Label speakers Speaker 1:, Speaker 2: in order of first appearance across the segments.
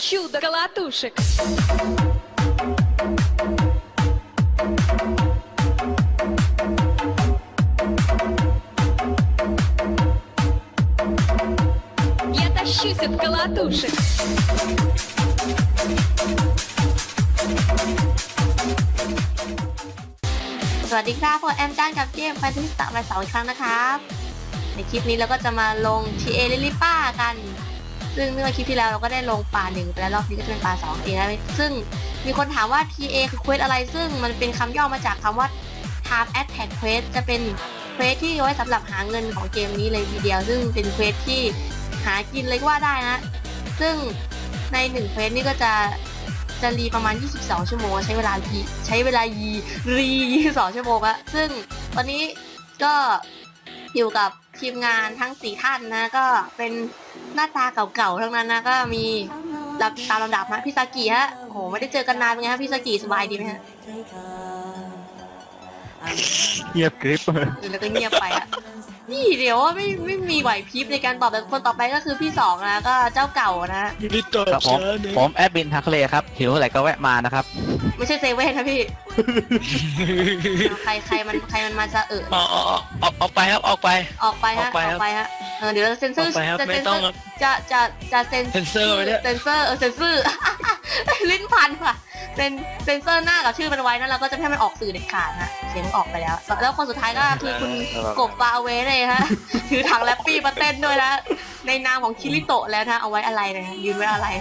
Speaker 1: чудо колотушек. Я тащусь от колотушек.
Speaker 2: สวัสดีครับพวกแอมจ้านกับเกมไฟทิสตะมา2 ครั้งนะครับในคลิปนี้เราก็จะมาลง TA ลิลิป้ากันซึ่งเมื่อคลิปที่แล้วเราก็ได้ลงป่า1ไปแล้วรอบนี้ก็จะเป็นป่า2เองนะซึ่งมีคนถามว่า TA คือเควสอะไรซึ่งมันเป็นคำย่อมาจากคำว่า Time Attack Quest จะเป็นเควสที่ไว้สำหรับหาเงินของเกมนี้เลยทีเดียวซึ่งเป็นเควสที่หากินเลยก็ว่าได้นะซึ่งใน1เควสนี่ก็จะรีประมาณ22 ชั่วโมงใช้เวลา22 ชั่วโมงอะซึ่งวันนี้ก็อยู่กับทีมงานทั้ง4 ท่านนะก็เป็นหน้าตาเก่าๆทั้งนั้นนะก็มีตามลำดับนะพี่ซากิฮะโอ้โหไม่ได้เจอกันนานเป็นไงฮะพี่ซากิสบายดีไหมฮะ
Speaker 3: เงียบกริบ
Speaker 2: แล้วก็เงียบไปอะนี่เดี๋ยวว่าไม่มีไหวพริบในการตอบแต่คนต่อไปก็คือพี่2นะก็เจ้าเก่านะ
Speaker 3: ครับผมแอดมินทักเลครับหิวเท่าไหร่ก็แวะมานะครับ
Speaker 2: ไม่ใช่เซเว่นนะพี่ใครมันมาจะ
Speaker 4: ออกไปครับออกไป
Speaker 2: ฮะเดี๋ยวเซนเซอร์จะเซนเซอร์ลิ้นพันว่ะเซนเซอร์หน้ากับชื่อมันไว้นะเราก็จะให้มันออกสื่อเด็ดขาดนะเสียงออกไปแล้วคนสุดท้ายก็คือคุณกบฟาเวเลยฮะถือถังแรปปี้มาเต้นด้วยนะในนามของคิริโตะแล้วนะเอาไว้อะไรนะยืนไว้อะไร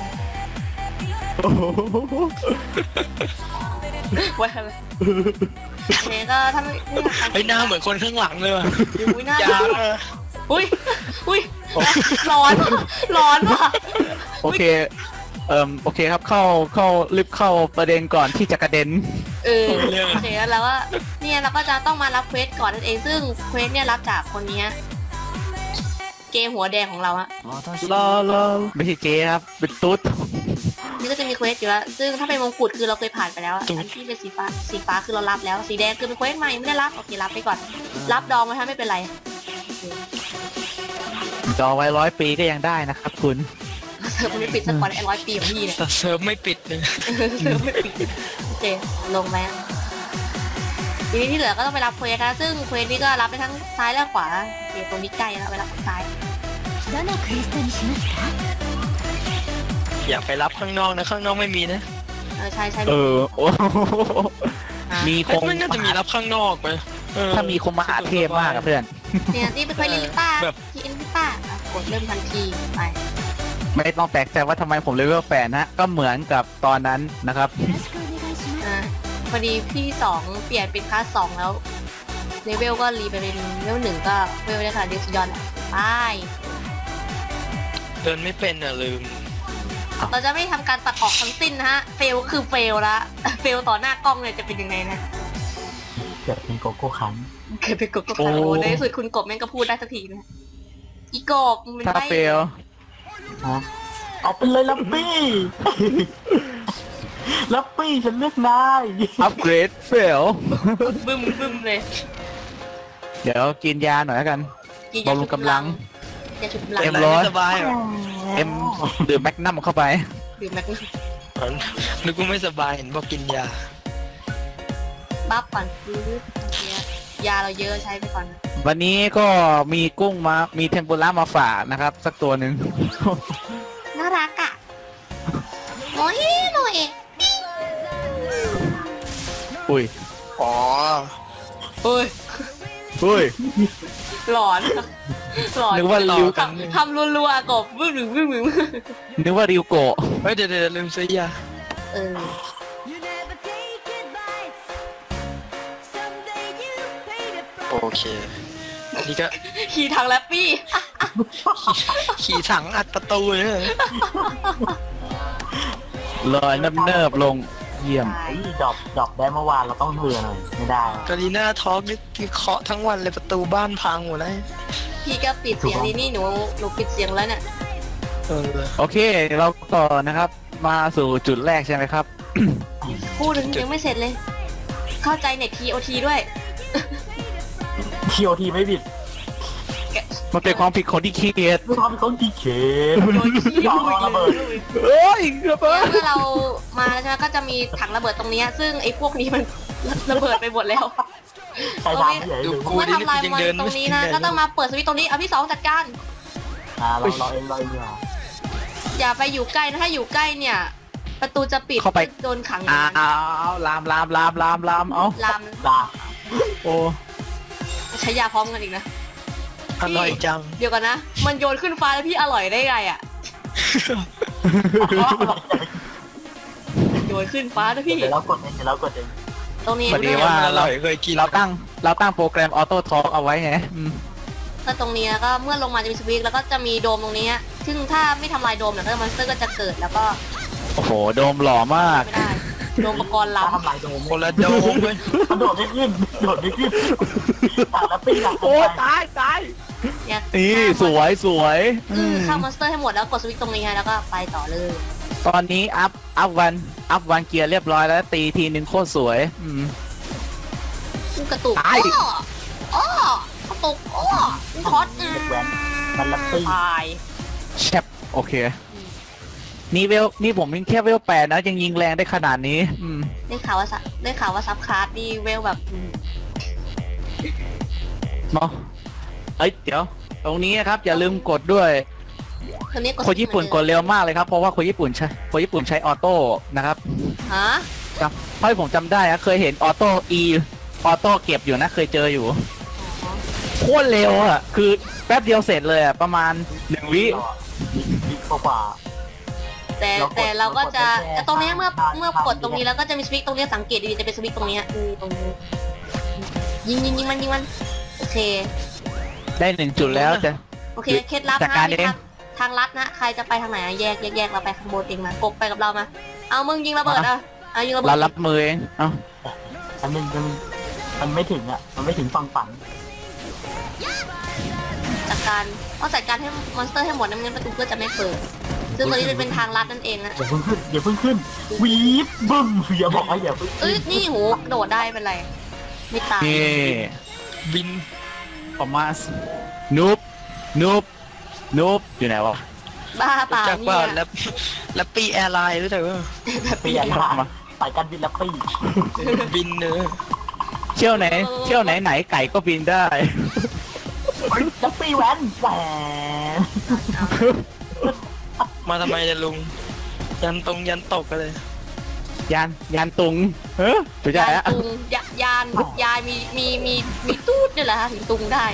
Speaker 2: ไว้อะไรเนี่ยก็ถ้าไม่
Speaker 4: หน้าเหมือนคนข้างหลังเลยว่ะ
Speaker 2: อุ้ยหน้าอุ้ยร้อนว่ะ
Speaker 3: โอเคโอเคครับเข้ารีบเข้าประเด็นก่อนที่จะกระเด็น
Speaker 2: โอเคแล้วว่าเนี่ยเราก็จะต้องมารับเควสก่อนนั่นเองซึ่งเควสเนี่ยรับจากคนนี้เกมหัวแดงของเราอะ
Speaker 3: รอไม่ใช่เกครับเป็นตุ๊ด
Speaker 2: นี่ก็จะมีเควสอยู่แล้วซึ่งถ้าเป็นมงกุฎคือเราเคยผ่านไปแล้วอันที่เป็นสีฟ้าคือเรารับแล้วสีแดงคือเป็นเควสใหม่ไม่ได้รับโอเครับไปก่อนรับดองไว้ถ้าไม่เป็นไร
Speaker 3: ดองไว้100 ปีก็ยังได้นะครับคุณ
Speaker 2: เซิร์ฟไม่ปิดสักวัน100 ปีของพี่เนี่ย
Speaker 4: เซิร์ฟไม่ปิดเลย
Speaker 2: เซิร์ฟไม่ปิดโอเคลงไหมทีนี้ที่เหลือก็ต้องไปรับเควสนะซึ่งเควสนี้ก็รับไปทั้งซ้ายและขวาเดี๋ยวตรงนี้ใกล้แล้วไปรับซ้าย
Speaker 4: อยากไปรับข้างนอกนะข้างนอกไม่มีนะ
Speaker 2: ใช่
Speaker 3: มีคง
Speaker 4: น่าจะมีรับข้างนอกไป
Speaker 3: ถ้ามีคงมหาเทพมากครับเพื่อน
Speaker 2: เนี่ยนี่เป็นเควสลิลิป้าที่อินลิป้ากดเริ่มทันทีไป
Speaker 3: ไม่ต้องแปลกใจว่าทำไมผมเลเวล8นะก็เหมือนกับตอนนั้นนะครับ
Speaker 2: พอดีพี่2เปลี่ยนเป็นคลาส2แล้วเลเวลก็รีไปเป็นเลเวล1ก็เลเวลได้ค่ะเดซิยอนไป
Speaker 4: เดินไม่เป็นลืม
Speaker 2: เราจะไม่ทำการตัดออกทั้งสิ้นนะฮะเฟลคือเฟลละเฟลต่อหน้ากล้องเลยจะเป็นยังไงนะ
Speaker 3: เกิดเป็นโกโก้คัน
Speaker 2: เกิดเป็นโกโก้คันโอ้ในสุดคุณกบแม่งก็พูดได้สักทีนะอีกบมัน
Speaker 3: ไม่เฟล
Speaker 5: เอาไปเลยลับบี้ฉันเลือกนาย
Speaker 3: อัปเกรดเฟล
Speaker 2: บึ้มเลย
Speaker 3: เดี๋ยวกินยาหน่อยแล้วกันบำรุงกำลัง
Speaker 4: สบาย
Speaker 3: ดื่มแมกนัมเข้าไป
Speaker 2: ดื่มแมกนัม
Speaker 4: นึกว่าไม่สบายเห็นบอกกินยา
Speaker 2: บัฟก่อนยาเราเยอะใช้ไปก่อน
Speaker 3: วันนี้ก็มีกุ้งมามีเทมปุระมาฝากนะครับสักตัวหนึ่ง
Speaker 2: น่ารักอ่ะโอ้ย
Speaker 3: อุ้ย
Speaker 2: หลอน
Speaker 3: นึกว่าริว
Speaker 2: ทำรัวๆกบบึ้ง
Speaker 3: นึกว่าริวโกะ
Speaker 4: เดี๋ยวลืมซื้อยาโอเคนี่ก็
Speaker 2: ขี่ถังแรปปี้
Speaker 4: ขี่ถังอัดประตูเลย
Speaker 3: ลอยเนิบลงเยี่ยม
Speaker 5: ดอกได้เมื่อวานเราต้องเหือหน่อยไม่ได้
Speaker 4: กาลีน่าทอล์กนี่เคาะทั้งวันเลยประตูบ้านพังหมดเลย
Speaker 2: พี่ก็ปิดเสียงนี่หนูปิดเสียงแล้วเนี่ย
Speaker 3: โอเคเราต่อนะครับมาสู่จุดแรกใช่ไหมครับ
Speaker 2: พูดถึงยังไม่เสร็จเลยเข้าใจเน็ต TOT ด้วย
Speaker 5: TOT ไม่บิด
Speaker 3: มันเป็นความผิดคนที่ขี้เกียจ
Speaker 5: ด้วยความเป็นคนขี้เข็นยอมระเบิด
Speaker 3: เอ้ยระเบิด
Speaker 2: เมื่อเรามาแล้วใช่ไหมก็จะมีถังระเบิดตรงนี้ซึ่งไอ้พวกนี้มันระเบิดไปหมดแล้ว
Speaker 5: ใครทำใหญ่เลย
Speaker 2: เมื่อทำลายมันตรงนี้นะก็ต้องมาเปิดสวิตช์ตรงนี้เอาพี่สองจัดการ
Speaker 5: เราเองเนี่ย
Speaker 2: อย่าไปอยู่ใกล้นะถ้าอยู่ใกล้เนี่ย ประตูจะปิดโดนขัง
Speaker 3: เอาลามเอา
Speaker 2: ลาม
Speaker 5: ด่า
Speaker 3: โอ้
Speaker 2: ใช้ยาพร้อมกันอีกนะ
Speaker 4: อร่อยจัง
Speaker 2: เดี๋ยวกันนะมันโยนขึ้นฟ้าแล้วพี่อร่อยได้ไงอ่ะโยนขึ้นฟ้านะพี่
Speaker 5: เดี๋ยวเรากดเอง
Speaker 2: ตรงนี้
Speaker 3: พอดีว่า
Speaker 4: อร่อยเคยกิน
Speaker 3: เราตั้งโปรแกรมออโต้ทอล์กเอาไว้ไง
Speaker 2: ก็ตรงนี้แล้วก็เมื่อลงมาจะมีสวิตช์แล้วก็จะมีโดมตรงนี้ซึ่งถ้าไม่ทำลายโดมเนี่ยก็มอนสเตอร์ก็จะเกิดแล้วก็
Speaker 3: โอ้โหโดมหล่อมาก
Speaker 2: ไม่ได้โดมอุปกรณ์
Speaker 5: ถ้า
Speaker 2: ล้ำ
Speaker 5: ทำลายโดม
Speaker 4: คนละโดมเลย
Speaker 5: มันโดดไม่ขึ้นแต่ละปีอะ
Speaker 3: โอ้ตาย
Speaker 2: เนี่ย
Speaker 3: นี่สวย
Speaker 2: ฆ่ามอนสเตอร์ให้หมดแล้วกดสวิตช์ตรงนี้แล้วก็ไปต่อเลย
Speaker 3: ตอนนี้อัพวันเกียร์เรียบร้อยแล้วตีทีนึงโคตรสวย
Speaker 2: กระตุก
Speaker 3: ตาย
Speaker 2: อ้อกระตุกอ้อคอส
Speaker 5: มันละปี
Speaker 2: ตาย
Speaker 3: แชปโอเค นี่ผมยังแค่เวล8นะยังยิงแรงได้ขนาดนี้
Speaker 2: ได้ข่าวว่าซับคลาสดีเวลแบบ
Speaker 3: เนาะเดี๋ยวตรงนี้นะครับอย่าลืมกดด้วย คนญี่ปุ่นกดเร็วมากเลยครับเพราะว่าคนญี่ปุ่นใช้ออโต้นะครับ
Speaker 2: ฮะ
Speaker 3: ครับเพราะผมจำได้นะเคยเห็นออโต้เก็บอยู่นะเคยเจออยู่โคตรเร็วอ่ะคือแป๊บเดียวเสร็จเลยอ่ะประมาณ1 วิ
Speaker 5: กว่า
Speaker 2: แต่เราก็จะตรงนี้เมื่อกดตรงนี้แล้วก็จะมีสวิตช์ตรงนี้สังเกตดีจะเป็นสวิตช์ตรงนี้ตรงนี้ยิงมันโอเค
Speaker 3: ได้1 จุดแล้วจะ
Speaker 2: โอเคเคล็ดลับนะทางลัดนะใครจะไปทางไหนแยกเราไปข้างบนเองมากบไปกับเรามาเอามึงยิงระเบิดยิงระเบิด
Speaker 3: เรารับมือเอง
Speaker 5: มันไม่ถึงอ่ะมันไม่ถึงฝั่งฝัน
Speaker 2: จัดการให้มอนสเตอร์ให้หมดน้ำเงินประตูก็จะไม่เปิดซึ่งตอนนี้จะเป็นทางลัดนั่นเองนะ
Speaker 5: อย่าเพิ่งขึ้นวีบบึ้มอย่าบอกว่าอย่าเพิ่ง
Speaker 2: นี่โหโดดได้เป็นไรไม่ตาย
Speaker 4: บิน
Speaker 3: ประมาณนูบอยู่ไหนวะ
Speaker 2: บ้าเปล่า
Speaker 4: เนี่ยแล้วปีแอร์ไลน์รู้จักว่า
Speaker 5: ปีแอร์ไลน์สายการบินแล้วปี
Speaker 4: บินเนื้อ
Speaker 3: เที่ยวไหนไก่ก็บินได้
Speaker 5: แล้วปีแหวน
Speaker 4: มาทำไมเนี่ยลุงยันตกกันเลย
Speaker 3: ยานตุงถูกใจอะ
Speaker 2: ยานมีตูดนี่แหละถึงตุงได้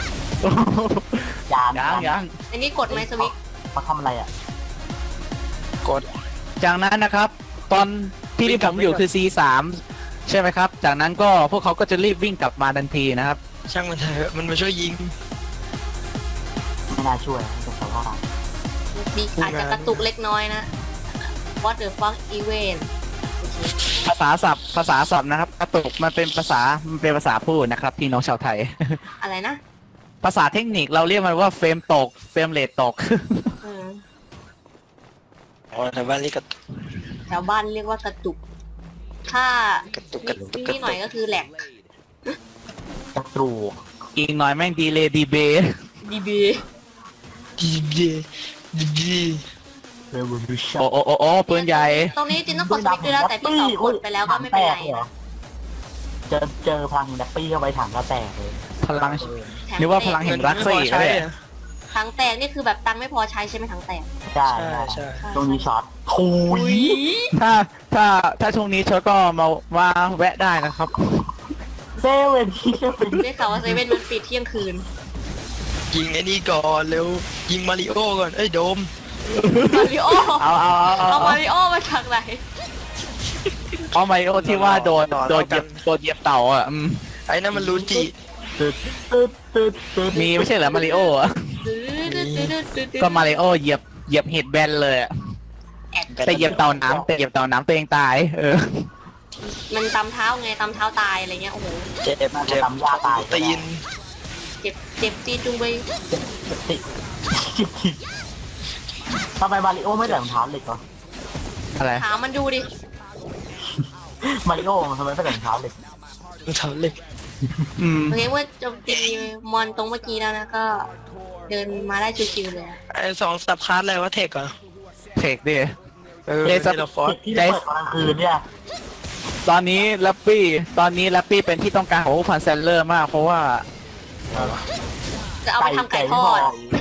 Speaker 5: ยัง
Speaker 2: อันนี้กดไหมสวิตช์
Speaker 5: มาทำอะไรอ่ะ
Speaker 4: กด
Speaker 3: จากนั้นนะครับตอนที่ผมอยู่คือ C3 ใช่ไหมครับจากนั้นก็พวกเขาก็จะรีบวิ่งกลับมาทันทีนะครับ
Speaker 4: ช่างมันเถอะมันมาช่วยยิง
Speaker 5: ไม่น่าช่วยแต่ว่า
Speaker 2: อาจจะกระตุกเล็กน้อยนะ What the fuck event
Speaker 3: ภาษาศัพท์นะครับกระตุกมันเป็นภาษาพูดนะครับพี่น้องชาวไทย
Speaker 2: อะไรนะ
Speaker 3: ภาษาเทคนิคเราเรียกมันว่าเฟรมตกเฟรมเรทตก
Speaker 4: แถวบ้านเรียก
Speaker 2: ว่ากระตุกถ้ากระตุกนี่หน่อยก็คือแหลก
Speaker 5: กระตุก
Speaker 3: อีกหน่อยแม่งดีเลยดีเบโอ้ปืนใหญ่
Speaker 2: ตรงนี้จริงต้องกดสวิตช์ด้วยนะแต่พี่สองกดไปแล้วก็ไม่เป็นไร
Speaker 5: เจอพลังแดปปี้เข้าไปถังก็แตกเลย
Speaker 3: พลังนึกว่าพลังเห็นรักซี่ก็ได้
Speaker 2: ถังแตกนี่คือแบบตังไม่พอใช้ใช่ไหมถังแตก
Speaker 5: ใช่ตรงนี้ช็อตคุย
Speaker 3: ถ้าช่วงนี้ช็อตก็มาแวะได้นะครับ
Speaker 5: เซเว่นที่จะปิด
Speaker 2: ได้ข่าวว่าเซเว่นมันปิดเที่ยงคืน
Speaker 4: ยิงไอ้นี่ก่อนเร็วยิงมาริโอก่อนโดม
Speaker 2: มาริโอ
Speaker 3: เอา
Speaker 2: มาริโอมาจากไหน
Speaker 3: เอามาริโอที่ว่าโดนเหยียบเต่าอ่ะ
Speaker 4: ไอ้นั่นมันรู้จิ
Speaker 3: มีไม่ใช่เหรอมาริโอก็มาริโอเหยียบเห็ดแบนเลยแต่เหยียบเต่าน้ำตัวเองตาย
Speaker 2: มันตำเท้าไงตำเท้าตายอะไรเงี้ยโอ้โห
Speaker 4: เจ็บ
Speaker 5: ตำยาตาย
Speaker 4: ตีน
Speaker 2: เจ็บจีจุงไป
Speaker 5: ทำไมมาริโอไม่ใส่รองเท้าเหล็กวะ
Speaker 3: อะไร
Speaker 2: ถามมันดูดิ
Speaker 5: มาริโอทำไมไม่ใส่รองเท้าเหล็ก
Speaker 2: โอเคว่าโจมตีมอนตรงเมื่อกี้แล้วนะก็เดินมาได้ชิวๆเลย
Speaker 4: ไอ้สองสับคาร์ดอะไรวะเทคเหรอ
Speaker 3: เทคดิ
Speaker 4: เออ
Speaker 3: เดซับ
Speaker 4: เดลฟอร์ด
Speaker 5: ที่เปิดตอนกลางคืนเนี่ย
Speaker 3: ตอนนี้แรปปี้เป็นที่ต้องการของพันเซลเลอร์มาก เพราะว่า
Speaker 2: จะเอาไปทำไก่ทอด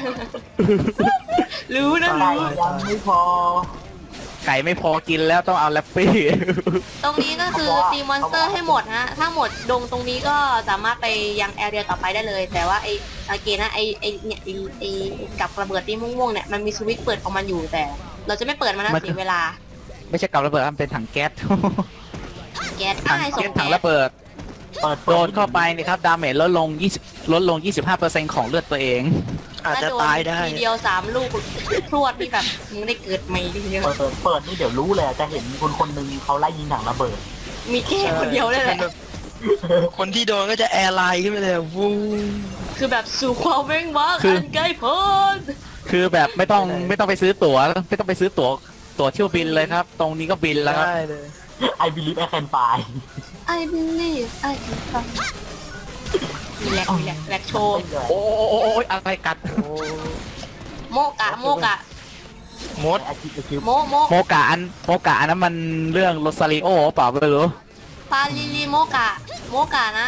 Speaker 2: รู้นะ
Speaker 5: ไก่
Speaker 2: รู้
Speaker 5: ยังไม่พอ
Speaker 3: ไก่ไม่พอกินแล้วต้องเอาแรปปี้
Speaker 2: ตรงนี้ก็คือตีมอนสเตอร์ให้หมดฮะ ถ้าหมดดงตรงนี้ก็สามารถไปยังแอเรียต่อไปได้เลย แต่ว่าไอสังเกตนะไอเนี่ยไอกับระเบิดที่ม่วงๆเนี่ยมันมีสวิตช์เปิดของมันอยู่แต่ เราจะไม่เปิดมันนะ
Speaker 3: มัน
Speaker 2: เสียเวลา
Speaker 3: ไม่ใช่กับระเบิดมันเป็นถังแก๊ส
Speaker 2: แก๊ส
Speaker 3: ถัง
Speaker 2: ให้ส่
Speaker 3: แก๊ส
Speaker 2: ง
Speaker 3: ถัง
Speaker 2: แก๊ส
Speaker 3: ระเบิด
Speaker 5: เปิด
Speaker 3: โดนเข้าไปนี่ครับดาเมจลดลง 25% ของเลือดตัวเอง
Speaker 4: อาจจะ
Speaker 2: ถ้โน
Speaker 4: ตายได้
Speaker 2: ทีเดียว3 ลูกพรวดนี่แบบมึงได้เกิดใหม่ทีเดียว
Speaker 5: เปิดนี่เดี๋ยวรู้เลยจะเห็นคนหนึ่งเขาไล่ยิงถังระเบิด
Speaker 2: มีแค่คนเดียวเลยแหละ
Speaker 4: คนที่โดนก็จะแอร์ไลน์ขึ้นไปเลยวู
Speaker 2: คือแบบสู่ความเว้งว้าง
Speaker 3: คืออั
Speaker 2: อันไกลโพ้น
Speaker 3: คือแบบไม่ต้องไปซื้อตั๋วไม่ต้องไปซื้อตั๋วเที่ยวบินเลยครับ ตรงนี้ก็บินแล้วครับ
Speaker 4: ได้เลย
Speaker 5: I believe I can fly
Speaker 2: I believe I can fly มีแลกโชว์
Speaker 3: โอ้ยอะไรกัด
Speaker 2: โมกะ
Speaker 4: มด
Speaker 5: อาชีพอาชีพ
Speaker 2: โม
Speaker 3: โมกะอันนั้นมันเรื่องโรซาริโอเปล่าไม่รู้
Speaker 2: ฟาลิลีโมกะนะ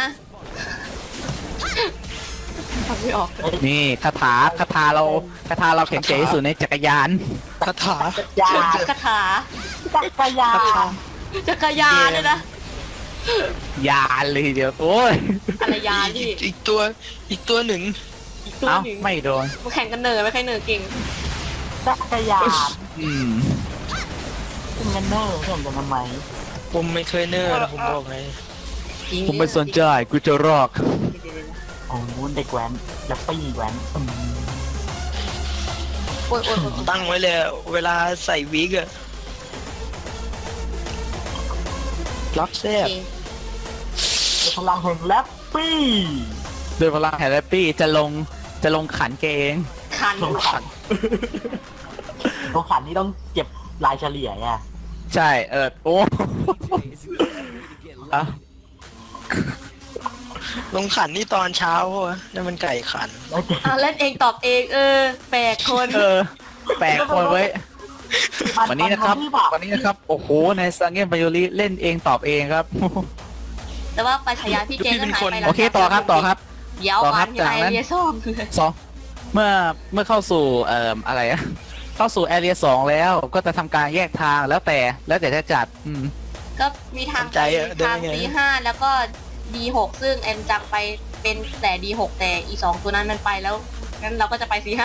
Speaker 2: ทำไม่ออก
Speaker 3: นี่คาถาเราแข็งใจที่สุดในจักรยาน
Speaker 4: คาถา
Speaker 5: ยา
Speaker 2: คาถา
Speaker 5: จักรยาน
Speaker 2: จักรยานเลยนะ
Speaker 3: ยานเลยทีเดียวโอ้ย
Speaker 2: อะไรยานที่
Speaker 4: อีกตัวหนึ่ง
Speaker 2: อีกตัว
Speaker 3: เอ้า
Speaker 2: หนึ่ง
Speaker 3: ไม่โดน
Speaker 2: มาแข่งกันเหนื่อยไม่ใครเหนื่อยเก่ง
Speaker 5: จักรยาน
Speaker 3: อืม
Speaker 5: ซึ่งกันเนอร์เห็นกันทำไม
Speaker 4: ผมไม่เคยเนอร์นะผมบอกไง
Speaker 2: จริง
Speaker 3: ผมไม่สนใจกูจะรอก
Speaker 5: โอ้โหเด็กแว้นแรปปี้แว้น
Speaker 2: โอ้ย
Speaker 4: ตั้งไว้เลยเวลาใส่วิกอะล็อกแซ่
Speaker 2: โอบ เค
Speaker 5: พลังแห่งแรปปี้
Speaker 3: โดยพลังแฮร์รี่จะลงขันเกเอง
Speaker 2: คัน
Speaker 5: ลงขันนี่ต้องเก็บรายเฉลี่ยไง
Speaker 3: ใช่โอ้อะ
Speaker 4: ลงขันนี่ตอนเช้าเพราะว่านั่นมันไก่ขัน
Speaker 5: แล้วเก็บ
Speaker 2: เล่นเองตอบเองแปลกคน
Speaker 3: แปลกคนไว้ยวันนี้นะครับโอ้โหในซังเกมไบโอลิเล่นเองตอบเองครับ
Speaker 2: แต่ว่าไปฉายาพี่เจก็หายไปแล้ว
Speaker 3: โอเคต่อครับ
Speaker 2: เดี๋ยว
Speaker 3: ต่อค
Speaker 2: วั
Speaker 3: รับ
Speaker 2: นอยู่ไอ
Speaker 3: จากนั้น
Speaker 2: เรียส้ม
Speaker 3: สองเมื่อเข้าสู่อะไรอะเข้าสู่แอเรีย2แล้วก็จะทำการแยกทางแล้วแต่จะจัด
Speaker 2: ก็มีทางไปทาง D5 แล้วก็ D6 ซึ่งเอ็มจำไปเป็นแต่ D6 แต่อี2ตัวนั้นมันไปแล้วงั้นเราก็จะไป C5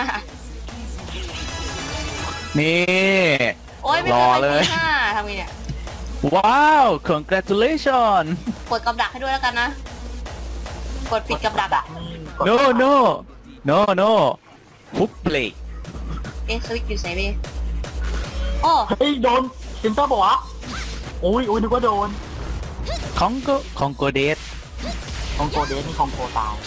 Speaker 3: นี่
Speaker 2: โอ้ยไม่
Speaker 3: ร
Speaker 2: ไป
Speaker 3: อเลย
Speaker 2: C5 ทำไงเนี่ย
Speaker 3: ว้าว congratulation
Speaker 2: กดกับดักให้ด้วยแล้วกันนะ กดปิดกับดัก
Speaker 5: ดักนี่
Speaker 3: no ฟุบเพลย์
Speaker 2: สวิตช์อยู่ไหนพี่โอ้
Speaker 5: เฮ้ยโดนเซนเตอร์บอกว่าโอ้ยนึกว่าโดน
Speaker 3: ของโกเดส
Speaker 5: ของโกเดสนี่ของโกตาย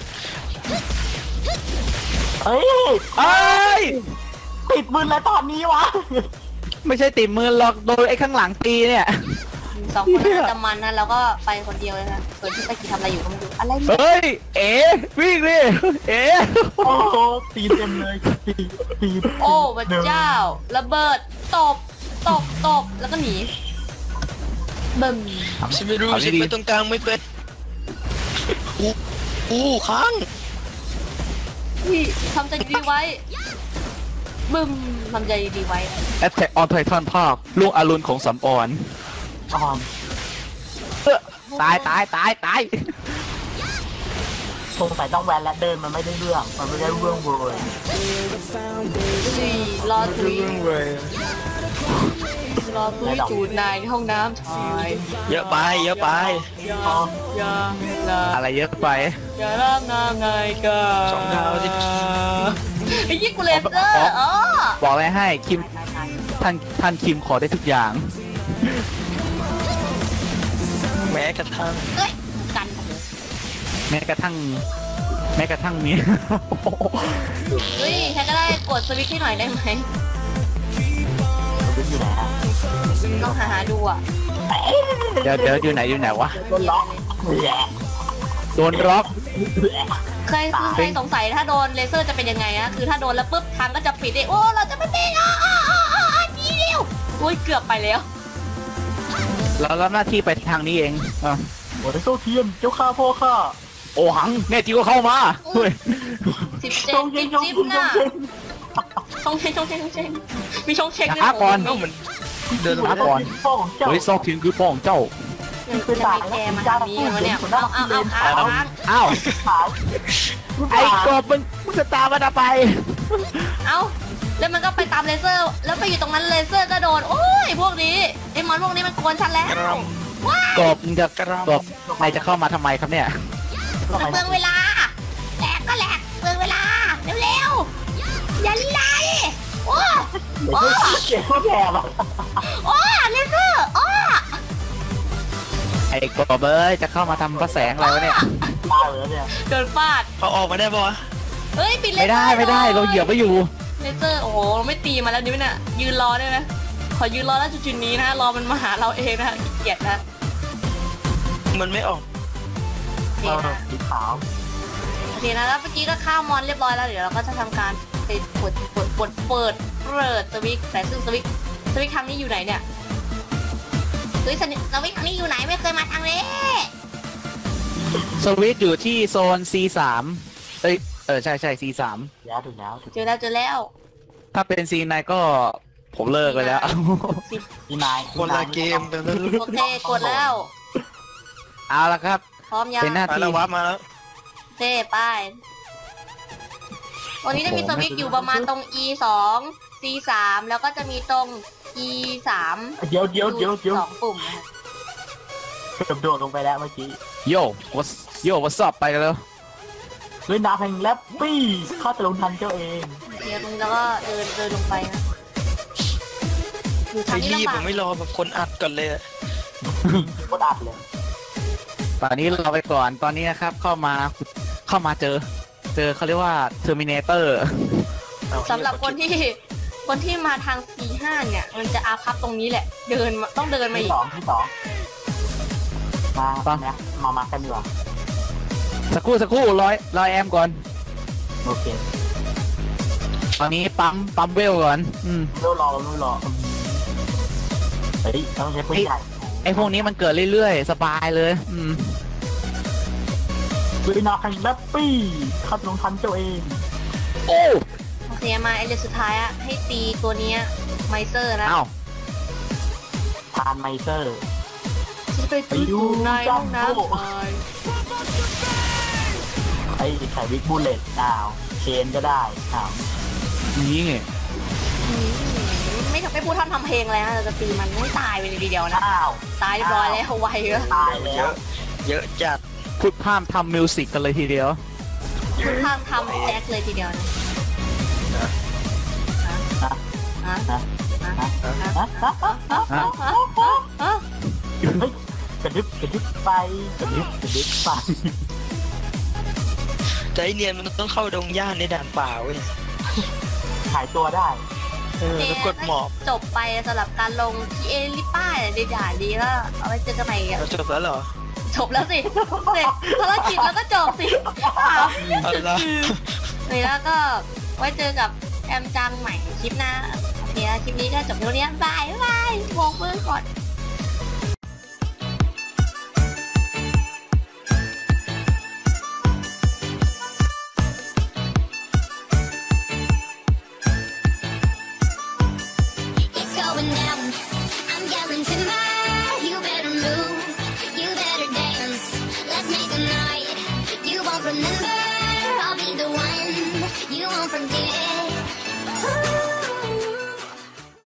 Speaker 5: เฮ้ย
Speaker 3: เอ้ย
Speaker 5: ติดมือแล้วตอนนี้วะ
Speaker 3: ไม่ใช่ติดมือหรอกโดนไอ้ข้างหลังตีเนี่ย
Speaker 2: 2 คนน่าจะมันนะเราก็ไปคนเดียวเลยนะส่วนที่ไปกี่ทำอะไรอยู่ก็ไม่รู้อะไรเนี่ย
Speaker 3: เฮ้ย วิ่งดิ
Speaker 5: โอ้โหตีเต็มเลยตี
Speaker 2: โอ้พระเจ้าระเบิดตบแล้วก็หนีบึ้ม
Speaker 4: ฉันไม่รู้ฉันไปตรงกลางไม่เป็นค้าง
Speaker 2: พี่ทำใจดีไว้บึ้มทำใจดีไว้
Speaker 3: Attack on Titan ภาคลูกอรุณของสำออน
Speaker 5: อ่อน
Speaker 3: ตาย
Speaker 5: สงสัยต้องแวนและเดินมันไม่ได้เรื่องมันไม่ได้เรื่องเลย
Speaker 2: รอตุย
Speaker 4: เรื่องเลย
Speaker 2: จูดนายในห้องน้ำชาย
Speaker 4: เยอะไป
Speaker 2: อย่า
Speaker 3: อะไรเยอะไป
Speaker 2: อย่าร่างงามนายกา
Speaker 4: 2 ดาวสิ
Speaker 2: ไอ้ยี่กูเลเซอร์อ๋อ
Speaker 3: บอกอะไรให้คิมท่านคิมขอได้ทุกอย่าง
Speaker 4: แม้กระทั่ง
Speaker 2: เอ้ยกัน
Speaker 3: แม้กระทั่งนี้
Speaker 2: เฮ้ยใครก็ได้กดสวิตช์ให้หน่อยได้ไหม
Speaker 5: มันอยู่ไหนฮะ
Speaker 2: ต้องหาดูอ่ะ
Speaker 3: เดี๋ยวอยู่ไหนวะ
Speaker 5: โดนล็อกแหละ
Speaker 3: โดนล็อก
Speaker 2: เคยสงสัยถ้าโดนเลเซอร์จะเป็นยังไงนะคือถ้าโดนแล้วปุ๊บทางก็จะปิดโอ้เราจะไม่เป็นนี่เดียวโอ้ยเกือบไปแล้ว
Speaker 3: เรารับหน้าที่ไปทางนี้เองอ่ะ
Speaker 5: โอ้ยโซเทียนเจ้าข้าพ่อข้า
Speaker 3: โอหังแน่จริงก็เข้ามาเฮ้ย
Speaker 2: 17
Speaker 5: ชงเชงชง
Speaker 2: จิ๊บ
Speaker 5: เชง
Speaker 2: น่ะ
Speaker 5: ชงเชง
Speaker 2: ชงเชงมีชงเชงด้วย
Speaker 3: ช้าก่อน
Speaker 4: เอ้ามันเดิน
Speaker 3: ช้าก่อน
Speaker 5: พ่อของเจ้า
Speaker 3: เฮ้ยซอกถึงคือพ่อของเจ้า
Speaker 2: จะมีแกมาทางนี้กันวะเนี่ยเอาค้าง
Speaker 3: อ้าว
Speaker 5: ขาย
Speaker 3: ไอ้กบมึงจะตามมันไป
Speaker 2: เอาแล้วมันก็ไปตามเลเซอร์ แล้วไปอยู่ตรงนั้นเลเซอร์ก็โดนโอ้ยพวกนี้ไอ้มอนพวกนี้มันกวนฉันแล้ว
Speaker 4: กระร
Speaker 3: กบมึงจะกบใครจะเข้ามาทำไมครับเนี่ย
Speaker 2: มันเปลืองเวลาแหลกก็แหลกเปลืองเวลาเร็วๆอย่าลีลาดิโอ้
Speaker 5: เดี๋ยวเจ๊ก็แย่แบบ
Speaker 2: โอ้เลเซอร์โอ้
Speaker 3: ไอ้กบเอ้ยจะเข้ามาทำพระแสงอะไรวะเนี่ย
Speaker 5: ตายเลยเนี่ย
Speaker 2: โดนฟาด
Speaker 4: เขาออกมาได้ปะวะ
Speaker 2: เฮ้ยปิดเล
Speaker 3: ไม่
Speaker 2: เซอ
Speaker 3: ได้
Speaker 2: ร์
Speaker 3: ไม่ได้เราเหยียบไว้อยู่
Speaker 2: เลเซอร์โอ้โหเราไม่ตีมาแล้วนี่น่ะยืนรอได้ไหมขอยืนรอแล้วจุดๆนี้นะรอมันมาหาเราเองนะขี้เกียจนะ
Speaker 4: มันไม่ออก
Speaker 2: โอเคนะ
Speaker 5: สีขาว
Speaker 2: โอเคนะแล้วเมื่อกี้ก็ข้ามมอนเรียบร้อยแล้วเดี๋ยวเราก็จะทำการไปเปิดสวิตช์แต่ซึ่งสวิตช์ทางนี้อยู่ไหนเนี่ยเฮ้ยสวิตช์ทางนี้อยู่ไหนไม่เคยมาทางนี้
Speaker 3: สวิตช์อยู่ที่โซน C3 ใช่ C3
Speaker 5: แล้วถึงแล้วถึง
Speaker 2: เจอแล้ว
Speaker 3: ถ้าเป็น C9 ก็ผมเลิกไปแล้ว
Speaker 5: ที่นาย
Speaker 4: คนละเกมกันแล้ว
Speaker 2: โอเคกดแล้ว
Speaker 3: เอาละครับ
Speaker 2: พร้อมยัง
Speaker 3: เป็นหน้า
Speaker 4: มา
Speaker 3: ที่
Speaker 4: แล้ววับมาแล้ว
Speaker 2: โอเคไปวันนี้จะมีสวิตช์อยู่ประมาณตรง E2 C3 แล้วก็จะมีตรง E3
Speaker 5: เดี๋ยว
Speaker 2: สองปุ่มนะคะ
Speaker 5: โดดลงไปแล้วเมื่อกี้
Speaker 3: โย่วัสอบไปกันแล้ว
Speaker 5: ด้วยน้ำแห่งแลปปี้ข้าจะลงทันเจ้าเอง
Speaker 2: เดี๋ยวตรงนี้แล้วก็เดินลงไปนะอยู่ทา
Speaker 4: ไอ้
Speaker 2: งนี้
Speaker 4: รีบ
Speaker 2: ลำบา
Speaker 4: ผ
Speaker 2: ก
Speaker 4: มไม่รอแบบคนอัดก่อนเลยอะ
Speaker 5: โคตรอัดเลย
Speaker 3: ตอนนี้เราไปก่อนตอนนี้นะครับเข้ามาเจอเขาเรียกว่า Terminator
Speaker 2: สำหรับคนที่มาทาง C5 เนี่ย มันจะอาพับตรงนี้แหละ ต้องเดินมาอี
Speaker 5: ที่
Speaker 2: ก
Speaker 5: สองมากันดีกว่า
Speaker 3: สักครู่ร้อยแอมก่อน
Speaker 5: โอเค
Speaker 3: ตอนนี้ปั๊มเวลก่อน
Speaker 5: รู้รอเฮ้ยต้องใช้ปืนใหญ่
Speaker 3: ไอ้พวกนี้มันเกิดเรื่อยๆ สบายเลย
Speaker 5: ด้วยน้ำแห่งแลปปี้ข้าจะลงทันเจ้าเอง
Speaker 3: โอ้
Speaker 2: โอเคมาไอเรื่องสุดท้ายอะให้ตีตัวเนี้ยไมเซอร์นะ
Speaker 3: อ้าว
Speaker 5: ทานไมเซอร์
Speaker 2: จะไปตีอยู่ในห้องน้ำไป
Speaker 5: ไอ้ไข่วิกบูเลตเชนก็ได้
Speaker 3: นี่
Speaker 2: ไม่พูดทำเพลงอะไรนะเราจะตีมันไม่ตายไปเลยทีเดียวนะตายเรียบร้อยแล้วไวเลย
Speaker 5: ตายแล้ว
Speaker 4: เยอะจัด
Speaker 3: พูดพามทำมิวสิกกันเลยทีเดียว
Speaker 2: พูดทำแจ็คเลยทีเดียวนะ
Speaker 5: กระดึบไป
Speaker 4: ใจเนียนมันต้องเข้าดงหญ้าในด่านป่าเว้ย
Speaker 5: หายตัวได้
Speaker 4: แล้วกดหมอบ
Speaker 2: จบไปสำหรับการลงที่เอลิป้าในด่านดีก็เอาไว้เจอกันใหม่กัน
Speaker 4: เราจบแล้วเหรอ
Speaker 2: จบแล้วสิเสร็จภารกิจแล้วก็จบสิ
Speaker 4: เอาละ
Speaker 2: เลยแล้วก็ไว้เจอกับแอมจังใหม่คลิปหน้าโอเคคลิปนี้ก็จบเท่านี้บายโบกมือก่อนRemember, I'll be the one you won't forget.